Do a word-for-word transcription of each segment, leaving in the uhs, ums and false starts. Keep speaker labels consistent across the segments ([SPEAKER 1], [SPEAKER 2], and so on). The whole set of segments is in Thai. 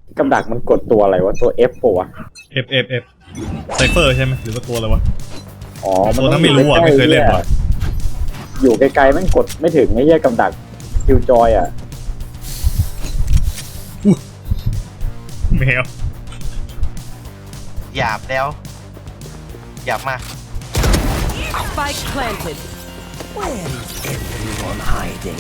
[SPEAKER 1] กำดักมันกดตัวอะไรวะตัว F ปะวะ
[SPEAKER 2] F F F ไซเฟอร์ใช่ไหมหรือว่าตัวอะไรวะ
[SPEAKER 1] อ๋อมัน
[SPEAKER 2] ตัวนั้นไม่รู้อ่ะไม่เคยเล่นหรอก
[SPEAKER 1] อยู่ไกลๆแม่งกดไม่ถึงไอ้เหี้ยกำดักคิวจอยอ่ะ
[SPEAKER 2] แมว
[SPEAKER 3] หยาบแล้วหยาบมาก
[SPEAKER 4] Spike planted.
[SPEAKER 5] Where is everyone hiding?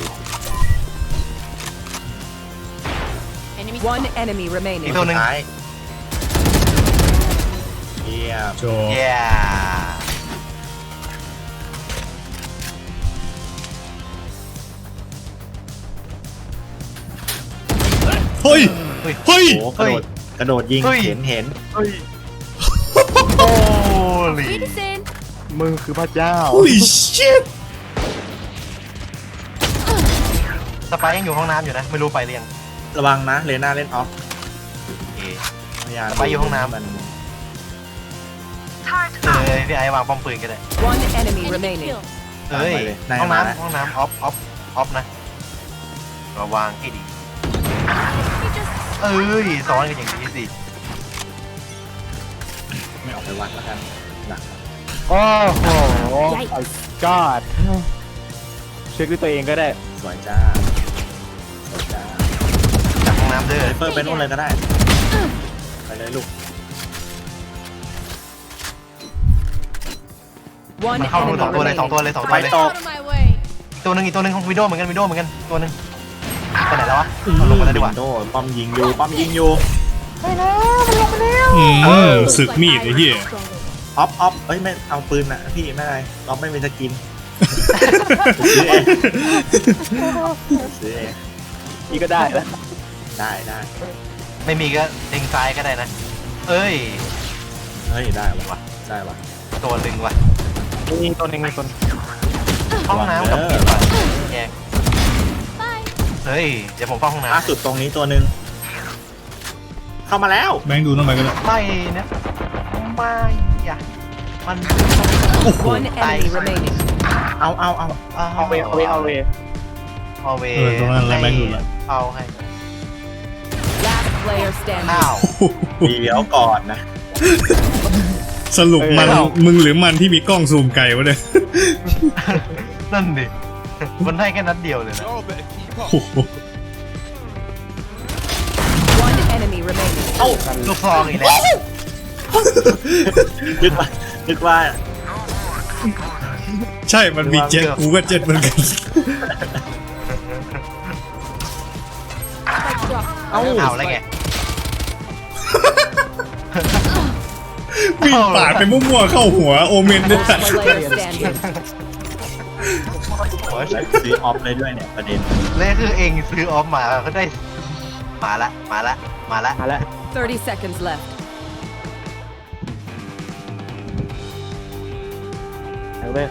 [SPEAKER 4] One enemy
[SPEAKER 3] อีก
[SPEAKER 4] remaining.
[SPEAKER 3] ตัวหนึ่ง
[SPEAKER 6] ท้ายเยี่ยม
[SPEAKER 2] โจ
[SPEAKER 3] เย้
[SPEAKER 2] เฮ้ย
[SPEAKER 3] เฮ้ย
[SPEAKER 2] เฮ้ย
[SPEAKER 6] โอ้กระโดดกระโดดยิง
[SPEAKER 3] เฮ้ย
[SPEAKER 6] เห็นเห็น
[SPEAKER 3] เฮ้ยโอ้ลี
[SPEAKER 7] มึงคือพระเจ้า
[SPEAKER 2] holy shit
[SPEAKER 3] สไปร์ยังอยู่ห้องน้ำอยู่นะไม่รู้ไปหรือยัง
[SPEAKER 6] ระวังนะเลน่าเล่นออฟ
[SPEAKER 3] โอเค
[SPEAKER 6] พยายาม
[SPEAKER 3] ไปอยู่ห้องน้ำ
[SPEAKER 6] มัน
[SPEAKER 3] เออพี่ไอ้วางป้อมปืนก็ได้
[SPEAKER 4] One enemy remaining.
[SPEAKER 3] เอ้ย
[SPEAKER 6] ไปเลยได้
[SPEAKER 3] ห้อง
[SPEAKER 6] มาแล้ว
[SPEAKER 3] น้ำห้องน้ำออฟออฟออฟนะระวังให้ดีเอ้ยซ้อนกันอย่างนี้สิ
[SPEAKER 6] ไม่ออกไปวัดแล้วกันหนัก
[SPEAKER 7] โอ้โหกอดเช็คด้วยตัวเองก็ได้
[SPEAKER 6] สวยจ้าสวยจ้า
[SPEAKER 3] จากห้องน้ำเด้อ
[SPEAKER 6] ไซเฟอร์ไปนู่นเลยก็ได้ไปเลยลูก
[SPEAKER 4] One
[SPEAKER 3] มันเข้ารู
[SPEAKER 4] enemy
[SPEAKER 3] สองตัวเลยสองตัว
[SPEAKER 4] remaining.
[SPEAKER 3] เลยสองตัว
[SPEAKER 6] ไป
[SPEAKER 3] เลย
[SPEAKER 6] ตก
[SPEAKER 3] อีกตัวหนึ่งอีกตัวหนึ่งของวิดโดเหมือนกันวิดโดเหมือนกันตัวหนึ่งไปไหนแล้ววะเอาลงมาแล้วดีกว่า
[SPEAKER 6] โดนป้อมยิงอยู่ป้อมยิงอยู่
[SPEAKER 2] อืมศึกมีดไอ้เหี้ย
[SPEAKER 6] ออฟออฟเอ้ยไม่เอาปืนนะพี่ไม่อะไรออฟไม่มีสกินซื้อเองซื้อเอง
[SPEAKER 7] นี่ก็ได้แล้ว
[SPEAKER 6] ได้ได้
[SPEAKER 3] ไม่มีก็เด้งซ้ายก็ได้นะ เอ้ย
[SPEAKER 6] เฮ้ยได้วะได้วะ
[SPEAKER 3] ตัวหนึ่งว่ะ
[SPEAKER 7] มีตัวหนึงมีคน
[SPEAKER 3] ห้องน้ำกับผิดว่ะแยกเฮ้ยเดี๋ยวผมเข้าห้อง
[SPEAKER 6] ล่า
[SPEAKER 3] น้ำ
[SPEAKER 6] สุดตรงนี้ตัวหนึ่งเข้ามาแล้ว
[SPEAKER 2] แบงค์ดูทำไมกันเลย
[SPEAKER 3] ไม่นะไม่อะมัน
[SPEAKER 4] One enemy remaining.
[SPEAKER 6] เอาเอาเอา
[SPEAKER 7] เอาเวเอาเวเอาเว
[SPEAKER 3] เอาเว
[SPEAKER 2] เออตรงนั้นแล้วแบงค์ดูละ
[SPEAKER 3] เอาให้
[SPEAKER 4] Last player standing.
[SPEAKER 3] อ้าว
[SPEAKER 6] เดี๋ยวก่อนนะ
[SPEAKER 2] สรุปมันมึงหรือมันที่มีกล้องซูมไกลวะเนี่ย
[SPEAKER 3] นั่นดิมันให้แค่นัดเดียวเลยนะ
[SPEAKER 2] โอ้โห
[SPEAKER 4] One enemy remaining.
[SPEAKER 6] เอ้า
[SPEAKER 3] ลูกซองอีกแล้ว
[SPEAKER 6] นึกว่านึกว่า
[SPEAKER 2] ใช่มันมีเจ็ตกูก็เจ็ตเหมือนกัน
[SPEAKER 6] เอ้า
[SPEAKER 3] เอาอะไรไง
[SPEAKER 2] วิ่งปาดไปมั่วๆเข้าหัวโอเมนด้วย
[SPEAKER 4] Last player standing.
[SPEAKER 3] โอ้ย
[SPEAKER 6] ซื้อออฟเลยด้วยเนี่ยประเด็น
[SPEAKER 3] เล่คือเองซื้อออฟมาก็ได้มาละมาละมาละ
[SPEAKER 7] มาแล้ว
[SPEAKER 4] Thirty seconds left.
[SPEAKER 7] เอาเว้ย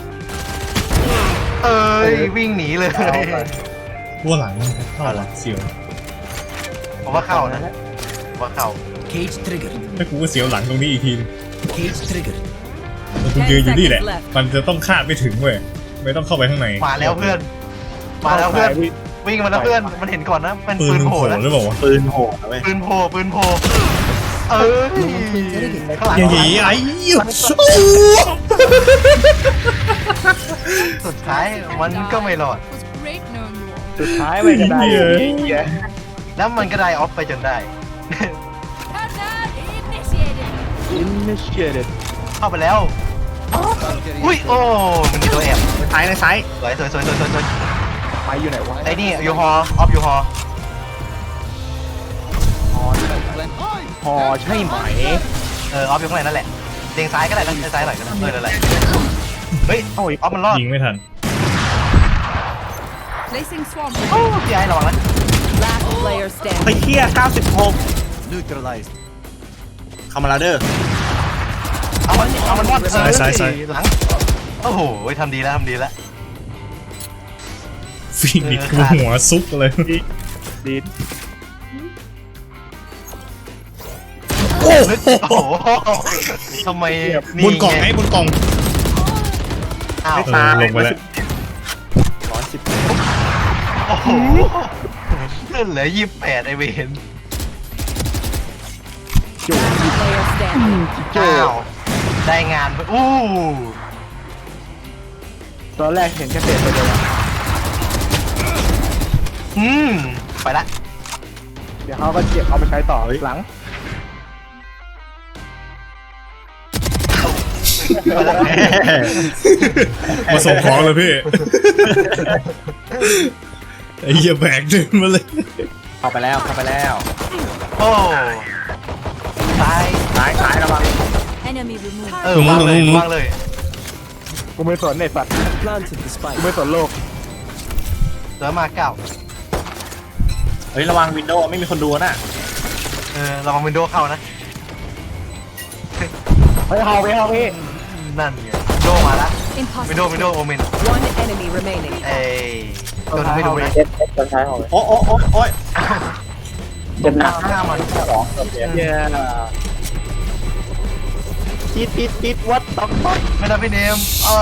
[SPEAKER 3] เอ้ยวิ่งหนีเลย
[SPEAKER 2] ว่าหลังเข้าหลังเสียว
[SPEAKER 3] ผมว่าเข้านะผมว่าเข้า
[SPEAKER 5] Cage triggered.
[SPEAKER 2] ไม่กูก็เสียวหลังตรงนี้อีกที
[SPEAKER 5] Cage triggered.
[SPEAKER 2] แต่กูยืนอยู่นี่แหละ มันจะต้องคาดไม่ถึงเว้ยไม่ต้องเข้าไปข้างใน
[SPEAKER 3] มาแล้วเพื่อน มาแล้วเพื่อนวิ่งมาแล้วเพื่อนมันเห็นก่อนนะเป็น
[SPEAKER 2] ปื
[SPEAKER 3] ปื
[SPEAKER 2] น
[SPEAKER 3] น
[SPEAKER 2] มึง
[SPEAKER 3] โผ
[SPEAKER 2] โผ
[SPEAKER 3] ล่
[SPEAKER 2] ล่
[SPEAKER 3] นะ
[SPEAKER 2] หรือเปล่าวะ
[SPEAKER 6] ปืนโหดนะเว้ย
[SPEAKER 3] ปืนโผล่ปืนโผล่เอ้ยข้างหลัง
[SPEAKER 2] อย่างงี้ไอ้หยุดสู้
[SPEAKER 3] สุดท้ายมันก็ไม่รอด
[SPEAKER 7] สุดท้ายไม่ก็ได้เหี้ย
[SPEAKER 3] แล้วมันก็ได้ออฟไปจนได้
[SPEAKER 7] initiated
[SPEAKER 3] เข้าไปแล้วอุ้ยโอ้มันมีตัวแอบ
[SPEAKER 6] ซ้ายในซ้าย
[SPEAKER 3] สวยสวยสวยสวยสวยสวย
[SPEAKER 7] ไปอยู่ไหนวะ
[SPEAKER 3] ไอ้นี่ยูฮอออฟยูฮอ
[SPEAKER 7] พอใช่ไหม
[SPEAKER 3] เออออฟอยู่ข้างในนั่นแหละเด้งซ้ายก็ได้นะเด้งซ้ายหน่อยก็ได้เออนั่นแหละเฮ้ยออฟมันรอด
[SPEAKER 2] ยิงไม่ทัน
[SPEAKER 4] Placing swarm.
[SPEAKER 3] โอ้พี่ไอ้ระวังนะ
[SPEAKER 4] Last player
[SPEAKER 6] ไป
[SPEAKER 4] standing.
[SPEAKER 6] เที่ยเก้าสิบหก
[SPEAKER 5] Neutralized.
[SPEAKER 6] เข้ามาแล้วเด้อ
[SPEAKER 3] เอามันเอามันรอด
[SPEAKER 2] ซ้ายซ้ายซ้าย
[SPEAKER 3] หลังโอ้โหทำดีแล้วทำดีแล้ว
[SPEAKER 2] ฟีนิกซ์กูหัวซุกเลย
[SPEAKER 7] ดีด
[SPEAKER 3] โอ้โหทำไม
[SPEAKER 2] บนกล่องไอ้บนกล่อง
[SPEAKER 3] อ้าว
[SPEAKER 2] เออลงไปแล้ว
[SPEAKER 6] ร้อยสิบ
[SPEAKER 3] โอ้โหเหลือยี่สิบแปดไอเวน
[SPEAKER 4] Player standing.
[SPEAKER 3] อ้าวได้งานไปอู้
[SPEAKER 7] ตอนแรกเห็นแค่เศษไปเลยอะ
[SPEAKER 3] อืมไปละ
[SPEAKER 7] เดี๋ยวเขาก็เก็บเอาไปใช้ต่อหลัง
[SPEAKER 3] ไปละ
[SPEAKER 2] มาส่งของเลยพี่ ไอ้เหี้ยแบกเดินมาเลย
[SPEAKER 6] เข้าไปแล้วเข้าไปแล้ว
[SPEAKER 3] โอ้ตาย
[SPEAKER 6] ซ้ายซ้ายระวัง
[SPEAKER 4] Enemy removed.
[SPEAKER 3] เออวางเลยวางเลย
[SPEAKER 7] กูไม่สนไอ้สัตว์
[SPEAKER 5] Planted the
[SPEAKER 7] กู
[SPEAKER 5] spike.
[SPEAKER 7] ไม่สนโลก
[SPEAKER 3] เหลือมาเก้า
[SPEAKER 6] เฮ้ยระวังวินโดว์ไม่มีคนดูน่ะ
[SPEAKER 3] เออระวังวินโดว์เข้านะ
[SPEAKER 7] เฮ้ยเอาไปเอาพี่
[SPEAKER 3] นั่นไงวินโดว์มาละวินโดว์
[SPEAKER 4] Impossible.
[SPEAKER 3] วินโดว์โอเมน
[SPEAKER 4] One enemy remaining.
[SPEAKER 3] เอ้ยตัวนึงไม่ดูเลย
[SPEAKER 1] เจ็ดเจ็ดตัวท้ายของ
[SPEAKER 6] โอ้โอ้โอ้โอ้ย
[SPEAKER 1] เจ็ดหนัก
[SPEAKER 3] ห้ามัน
[SPEAKER 1] สองตัวเจ็ด
[SPEAKER 7] เย้ติดติดติดวัดต๊อกต๊อก
[SPEAKER 3] ไม่ได้พี่เนมเออ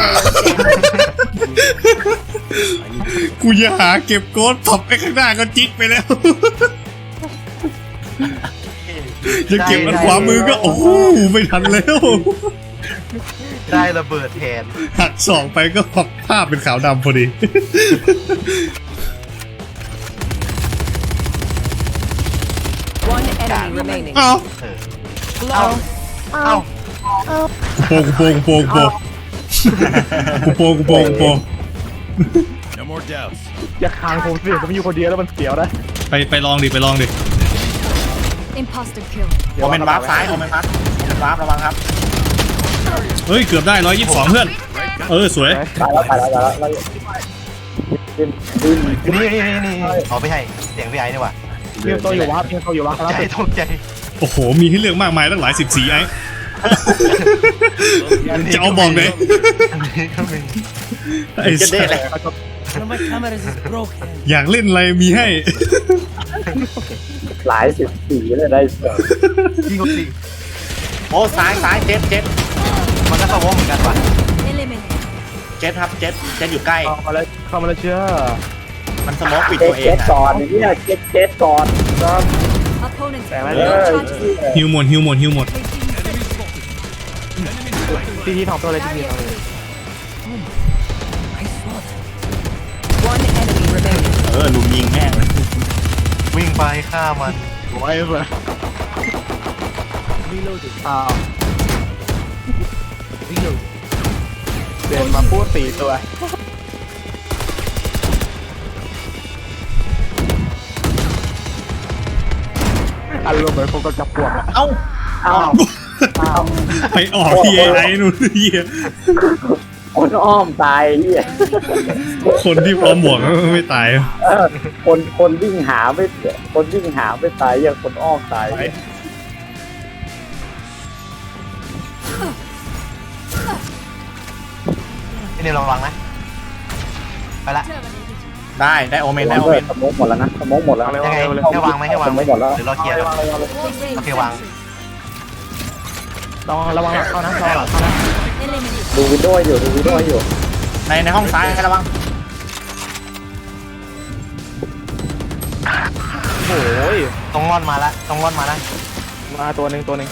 [SPEAKER 2] กูจะหาเก็บโกดพับไปข้างหน้าก็จิ๊กไปแล้ว จะเก็บอันขวามือก็โอ้โหไม่ทันแล้ว
[SPEAKER 3] ได้ระเบิดแทน
[SPEAKER 2] หักสองไปก็ภาพเป็นขาวดำพอดี
[SPEAKER 4] One enemy remaining.
[SPEAKER 2] เอ้า
[SPEAKER 3] เออเอา
[SPEAKER 4] Long.
[SPEAKER 3] เอา
[SPEAKER 2] โปงโปงโปงโปงโปงโปงโปง
[SPEAKER 7] อย่าคางผมสิผมอยู่คนเดียวแล้วมันเสียวนะ
[SPEAKER 2] ไปไปลองดิไปลองดิ
[SPEAKER 4] Imposter kill.
[SPEAKER 6] โอเมนวาร์ปซ้ายโอเมนวาร์ปโอเมนวาร์ประวังครับ
[SPEAKER 2] เฮ้ยเกือบได้ร้อยยี่สิบสองเพื่อน เออสวย
[SPEAKER 1] ตายแล้วตายแล้วตายแล้วแล้วดิ้นดิ้น
[SPEAKER 3] นี่นี่นี่นี่เอาไปให้เสียงพี่ไอ้นี่ว่ะ
[SPEAKER 7] เพียงตัวอยู่วัดเพียงตัวอยู่วัดแล้ว
[SPEAKER 3] ใจตกใจ
[SPEAKER 2] โอ้โห มีให้เลือกมากมายตั้งหลายสิบสีไอ้ จะเอาบอกเลย
[SPEAKER 3] อันนี้ก็มี
[SPEAKER 2] ไอ้สัส
[SPEAKER 5] One of my cameras is broken.
[SPEAKER 2] อยากเล่นอะไรมีให้
[SPEAKER 1] หลายสิบสี่เลยได้เสริม
[SPEAKER 3] ยิงกตี
[SPEAKER 6] โอ้ซ้ายซ้ายเจ็ดเจ็ด
[SPEAKER 3] มันก็สวอเหมือนกันว่ะ
[SPEAKER 4] Eliminate.
[SPEAKER 6] เจ็ดครับเจ็ดเจ็ดอยู่ใกล้
[SPEAKER 7] เข้ามาแล้วเข้ามาแล้วเชื่อ
[SPEAKER 6] มันสโมกปิด
[SPEAKER 1] เจ็
[SPEAKER 6] ตั
[SPEAKER 1] ด
[SPEAKER 6] วเอ
[SPEAKER 1] เจ็
[SPEAKER 6] ง
[SPEAKER 1] ด
[SPEAKER 6] อะ
[SPEAKER 1] ก่อนเนี่ยเจ็ดเจ็ดก่อนครับ
[SPEAKER 4] Opponent.
[SPEAKER 7] แต่ไม่
[SPEAKER 1] เอ
[SPEAKER 7] ได้
[SPEAKER 1] อ
[SPEAKER 2] ฮิวหมดฮิวหมดฮิวหมด
[SPEAKER 7] ทีทีทองตัวเลยทีทีทองเลย
[SPEAKER 4] One enemy remaining.
[SPEAKER 6] เออลุมยิงแม่งเลย
[SPEAKER 3] วิ่งไปฆ่ามัน
[SPEAKER 7] โอ้ยเพื่อน
[SPEAKER 5] Reloading.
[SPEAKER 7] อ้าวเดินมาพูดสี่ตัวอารมณ์เหมือนผมกับจับปวกอะ
[SPEAKER 6] เอ้า
[SPEAKER 1] อ้าวอ้าว
[SPEAKER 2] ไปออกที่ไอ้ไอ้นู่นเหี้ย
[SPEAKER 1] คนอ้อมตายเฮีย
[SPEAKER 2] คนที่พร้อมบวกไม่ตาย
[SPEAKER 1] เออคนคนวิ่งหาไม่คนวิ่งหาไม่ตายอย่างคนอ้อมตาย
[SPEAKER 3] พี่เนมระวังนะไปละ
[SPEAKER 6] ได้ได้โอเมนได้โอเมน
[SPEAKER 1] สมองหมดแล้วนะสมองหมดแล้ว
[SPEAKER 3] ยังไงให้วางไหมให้วางไหม
[SPEAKER 1] สมองหมดแล้ว
[SPEAKER 3] หรือเราเคลียร์โอเควาง
[SPEAKER 7] ระวังระวังหลังเข้านะระวังหลังเข้านะ
[SPEAKER 4] Eliminate.
[SPEAKER 1] ดูวิดีโออยู่ดูวิดีโออยู่
[SPEAKER 6] ในในห้องซ้ายให้ระวัง
[SPEAKER 7] โอ้ย
[SPEAKER 3] ต้องงอนมาละต้องงอนมาละ
[SPEAKER 7] มาตัวหนึ่งตัวหนึ่ง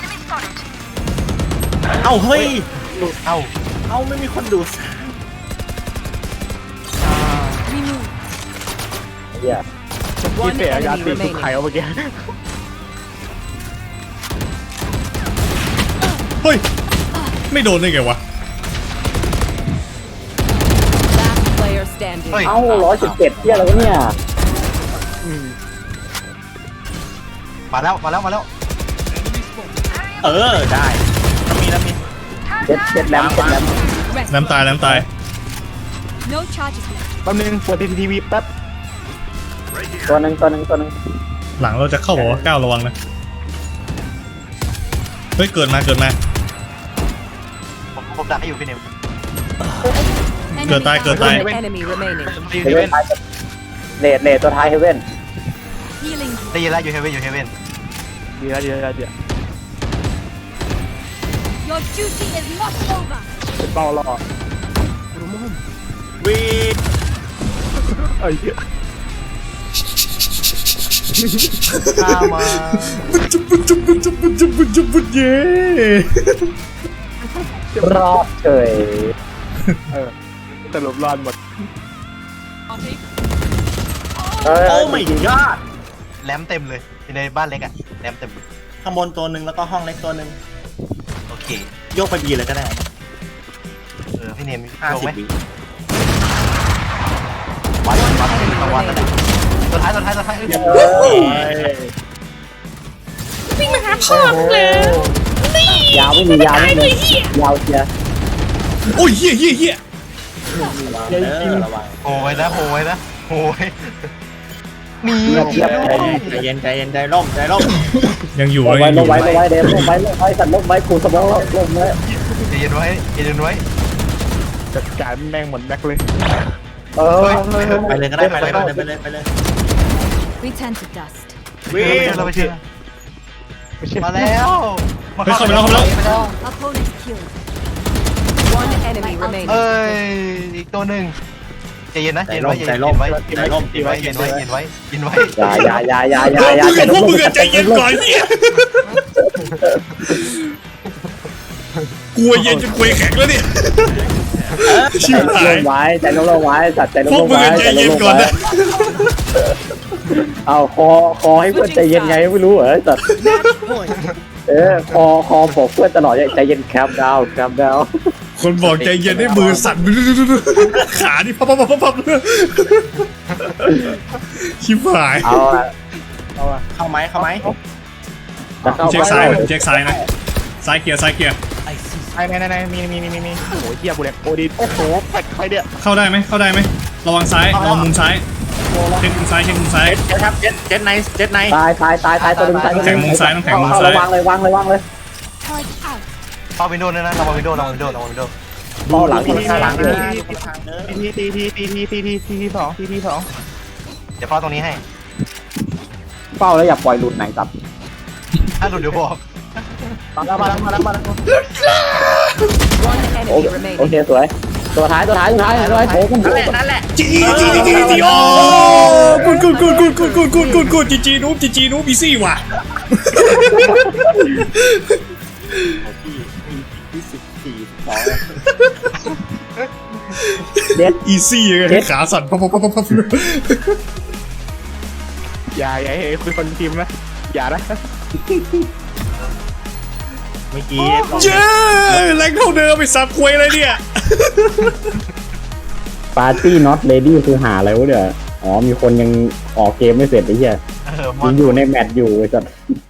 [SPEAKER 6] เอ้าเฮ้ย
[SPEAKER 3] เอ้า
[SPEAKER 6] เอ้าไม่มีคนดู
[SPEAKER 4] Remove.
[SPEAKER 1] เฮีย
[SPEAKER 7] ที่
[SPEAKER 4] One
[SPEAKER 7] เสียยา
[SPEAKER 4] enemy
[SPEAKER 7] ตีทุก
[SPEAKER 4] remaining.
[SPEAKER 7] ไข่เอาเมื่อกี้
[SPEAKER 2] เฮ้ย ไม่โดนได้ไงวะ
[SPEAKER 4] Last player standing.
[SPEAKER 3] เฮ้ย
[SPEAKER 1] เอ้าร้อยสิบเจ็ดเฮียอะไรวะเนี่ย
[SPEAKER 3] มาแล้วมาแล้วมาแล้ว
[SPEAKER 6] เออได้แล้วมีแล้วมี
[SPEAKER 1] เจ็ดเจ็ดแลมเจ็ดแลม
[SPEAKER 4] Rest.
[SPEAKER 2] น้ำตายน้ำตาย
[SPEAKER 4] No charges left.
[SPEAKER 7] แป๊บนึงเปิดทีวีแป๊บ
[SPEAKER 1] ตัวหนึ่งตัวหนึ่งตัวหนึ่ง
[SPEAKER 2] หลังเราจะเข้าบอกว่าก้าวระวังนะ เฮ้ย เกิดมาเกิดมา
[SPEAKER 3] ผมผมดักให้อยู่พี่เนม
[SPEAKER 4] Enemy
[SPEAKER 2] Good die, good die.
[SPEAKER 4] One enemy remaining.
[SPEAKER 1] เฮเว่นเลดเลดตัวท้ายเฮเว่น
[SPEAKER 4] Healing.
[SPEAKER 3] ได้ยินแล้วอยู่เฮเว่นอยู่เฮเว่น
[SPEAKER 7] ดีแล้วดีแล้วดีแล้ว
[SPEAKER 4] Your duty is not over.
[SPEAKER 7] เป็นเป้ารอ
[SPEAKER 6] วี
[SPEAKER 7] ไอ้เหี้ย
[SPEAKER 3] ฆ่ามา
[SPEAKER 2] เย้
[SPEAKER 1] รอดเฉย
[SPEAKER 7] เออสรุปรอดหมด
[SPEAKER 1] เออ
[SPEAKER 6] โอ้ไม่ยอด
[SPEAKER 3] แรมเต็มเลยในบ้านเล็กอะแรมเต็ม
[SPEAKER 6] ข้างบนตัวหนึ่งแล้วก็ห้องเล็กตัวหนึ่ง
[SPEAKER 3] โอเค
[SPEAKER 6] โยกไปบีเลยก็ได้
[SPEAKER 3] เออพี่เนม
[SPEAKER 6] ห้า
[SPEAKER 3] โยก
[SPEAKER 6] สิบ
[SPEAKER 3] ไหม
[SPEAKER 6] บี
[SPEAKER 3] วัดวัดวัดวัดนั่นแหละตัวท้ายตัวท้ายตัวท้าย
[SPEAKER 1] เอ้ย
[SPEAKER 8] วิ่งมาหาพ่อมึงแล้ว
[SPEAKER 1] ยาวไม่มียาวไม่มียาวเชียร์
[SPEAKER 2] โอ้ยเฮี้ยเฮี้ยเฮี้ย
[SPEAKER 6] เออระวัง
[SPEAKER 3] โหยนะโหยนะโหยมี
[SPEAKER 1] เงียบเงียบ
[SPEAKER 6] ใจเย็นใจเย็นใจร่มใจร่ม
[SPEAKER 2] ยังอยู่
[SPEAKER 1] ล
[SPEAKER 2] เลย
[SPEAKER 1] งไว้
[SPEAKER 2] ยังอ
[SPEAKER 1] ล
[SPEAKER 2] ยู่
[SPEAKER 1] งไว้ลงไว้เดมลงไว้ลงไว้สัตว์ลงไว้กูสมองลงไว้
[SPEAKER 3] ใจเย็นไว้ใจเย็นไว้
[SPEAKER 7] จัดการแม่งหมดแบ็คเลย
[SPEAKER 1] เออ
[SPEAKER 6] ไปเลยก็ได้ไปเลยไปเลยไปเลยไปเลย
[SPEAKER 4] Return to dust.
[SPEAKER 3] วิ่งเราไปเชื่อ
[SPEAKER 7] ไม่ใช่
[SPEAKER 3] มาแล้ว
[SPEAKER 2] เฮ้ยเข้าไปแล้วเข้าไปแล้ว
[SPEAKER 4] Opponent killed. One enemy remaining.
[SPEAKER 3] เอ้ยอีกตัวหนึ่งใจเย็นนะใจ
[SPEAKER 6] ใจ
[SPEAKER 3] เย็น
[SPEAKER 6] ร่
[SPEAKER 3] ไว้
[SPEAKER 6] ม
[SPEAKER 3] ใจ
[SPEAKER 6] ใจ
[SPEAKER 3] เย็น
[SPEAKER 6] ร่ม
[SPEAKER 3] ไว้
[SPEAKER 6] ใจร่ม
[SPEAKER 3] เย็นไว้เย็นไว้เย็นไว้เย็นไว้
[SPEAKER 1] อย่าอย่าอย่าอย่าอย่า
[SPEAKER 2] พวก
[SPEAKER 1] อย่า
[SPEAKER 2] มึงกับพวกมึงอะใจเย็นก่อนเฮี้ยกลัวเย็นจนกลัวแข็งแล้วเนี่ยชิบหา
[SPEAKER 1] ล
[SPEAKER 2] ย
[SPEAKER 1] งไว้ใจลงลงไว้สัตว์ใจลง
[SPEAKER 2] พว
[SPEAKER 1] ล
[SPEAKER 2] ก
[SPEAKER 1] ง
[SPEAKER 2] มึง
[SPEAKER 1] ไว้
[SPEAKER 2] อะใจเย็นก่อนนะ
[SPEAKER 1] เอาคอคอให้เพื่อนใจเย็นไงไม่รู้เหรอสัตว์ เออคอคอบอกเพื่อนตลอดใจเย็นแคมดาวแคมดาว
[SPEAKER 2] คนบอกใจเย็นให้มือสั่นขานี่พับพับพับพับชิบหาย
[SPEAKER 1] เอาอะ
[SPEAKER 6] เข้าไหมเข้าไหม
[SPEAKER 1] จะเข้า
[SPEAKER 2] เช็คซ้ายเช็คซ้ายนะซ้ายเคลียร์ซ้ายเคลียร์
[SPEAKER 7] ไอ้ไหนไหนไหนมีมีมีมีมีโอ้โหเฮียกูเนี่ยโอดินโอ้โหแปดใครเนี่ย
[SPEAKER 2] เข้าได้ไหมเข้าได้ไหมระวังซ้ายระวังมุมซ้ายเช็คมุมซ้ายเช็คมุมซ้าย
[SPEAKER 6] เจ็ดครับเจ็ดเจ็ดไนท์เจ็ดไนท์
[SPEAKER 1] ตายตายตายตายตัวนึงตายตัวนึง
[SPEAKER 2] แข่งมุมซ้ายต้องแข่งมุม
[SPEAKER 1] เอา
[SPEAKER 2] ซ้าย
[SPEAKER 1] วางเลยวางเลยวางเลย
[SPEAKER 4] Charge out.
[SPEAKER 3] เข้าวินโดว์นะนะระวังวินโดว์ระวังวินโดว์ระวังวินโดว์
[SPEAKER 1] เอาหลัง
[SPEAKER 7] ที
[SPEAKER 1] ข้างหลังเลย
[SPEAKER 7] ทีทีทีทีทีทีทีทีทีสองทีทีสอง
[SPEAKER 3] เดี๋ยวเฝ้าตรงนี้ให้
[SPEAKER 1] เฝ้าแล้วอย่าปล่อยหลุดไหนสับ
[SPEAKER 3] ถ้าหลุดเดี๋ยวบอก
[SPEAKER 7] มาแล้วมาแล้วมาแล้วมาแล้ว
[SPEAKER 4] One
[SPEAKER 1] โอ
[SPEAKER 4] enemy
[SPEAKER 1] โอ
[SPEAKER 4] remaining.
[SPEAKER 1] เคสวยตัวท้ายตัวท้ายตัวท้ายตัวท้ายโผล่กัน
[SPEAKER 6] นั่นแหละนั่นแหละ
[SPEAKER 2] จีจีจีจีจีโอ้กูดกูดกูดกูดกูดกูดกูดกูดกูดจีจีนูบจีจีนูบอีซี่ว่ะ
[SPEAKER 6] ที่สิบสี่สอง
[SPEAKER 1] เด็ด
[SPEAKER 2] อีซี่เลยขาสั่นพับพับพับพับ
[SPEAKER 7] อย่าอย่าให้คุยคนทีมนะอย่านะ
[SPEAKER 6] เมื่อกี้
[SPEAKER 2] เย้แรงเท่าเดิมไปสับควยเลยเนี่ย
[SPEAKER 1] ปาร์ตี้น็อตเลดี้คือหาอะไรวะเดี๋ยวอ๋อมีคนยังออกเกมไม่เสร็จไอ้เหี้ย
[SPEAKER 3] เออมอ
[SPEAKER 1] ยั
[SPEAKER 3] น
[SPEAKER 1] งอยู่ในแมตช์อยู่ไอ้สัส